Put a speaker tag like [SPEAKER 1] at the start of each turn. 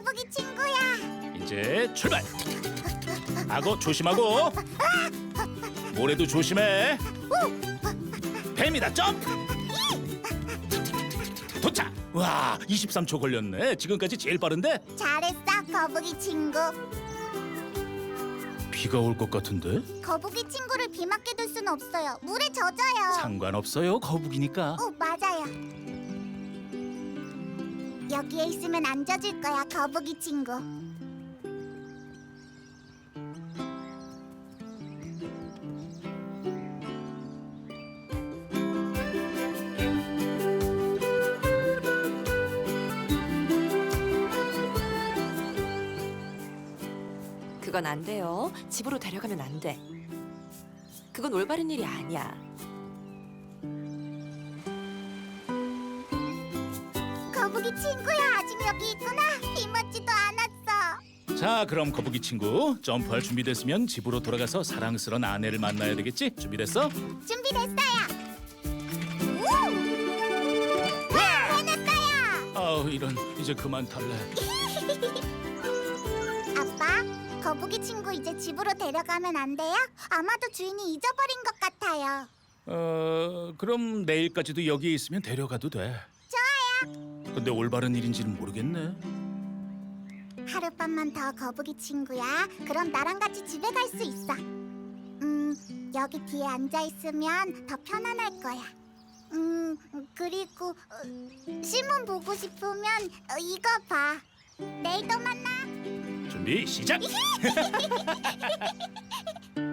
[SPEAKER 1] 거북이 친구야.
[SPEAKER 2] 이제 출발. 악어 조심하고. 모래도 조심해. 뱀이다. 점프. 도착. 와, 23초 걸렸네. 지금까지 제일 빠른데?
[SPEAKER 1] 잘했어, 거북이 친구.
[SPEAKER 2] 비가 올 것 같은데?
[SPEAKER 1] 거북이 친구를 비 맞게 둘 순 없어요. 물에 젖어요.
[SPEAKER 2] 상관없어요. 거북이니까.
[SPEAKER 1] 맞아요. 여기에 있으면 안 젖을 거야, 거북이 친구.
[SPEAKER 3] 그건 안 돼요. 집으로 데려가면 안 돼. 그건 올바른 일이 아니야.
[SPEAKER 1] 거북이 친구야, 아직 여기 있구나. 비 맞지도 않았어.
[SPEAKER 2] 자, 그럼 거북이 친구 점프할 준비됐으면 집으로 돌아가서 사랑스런 아내를 만나야 되겠지? 준비됐어?
[SPEAKER 1] 준비됐어요. 우!
[SPEAKER 2] 와!
[SPEAKER 1] 해냈어요.
[SPEAKER 2] 아우, 이런. 이제 그만 탈래.
[SPEAKER 1] 아빠, 거북이 친구 이제 집으로 데려가면 안 돼요? 아마도 주인이 잊어버린 것 같아요.
[SPEAKER 2] 그럼 내일까지도 여기에 있으면 데려가도 돼.
[SPEAKER 1] 좋아요.
[SPEAKER 2] 근데 올바른 일인지는 모르겠네.
[SPEAKER 1] 하룻밤만 더 거북이 친구야. 그럼 나랑 같이 집에 갈 수 있어. 여기 뒤에 앉아 있으면 더 편안할 거야. 그리고 신문 보고 싶으면 이거 봐. 내일 또 만나.
[SPEAKER 2] 준비 시작.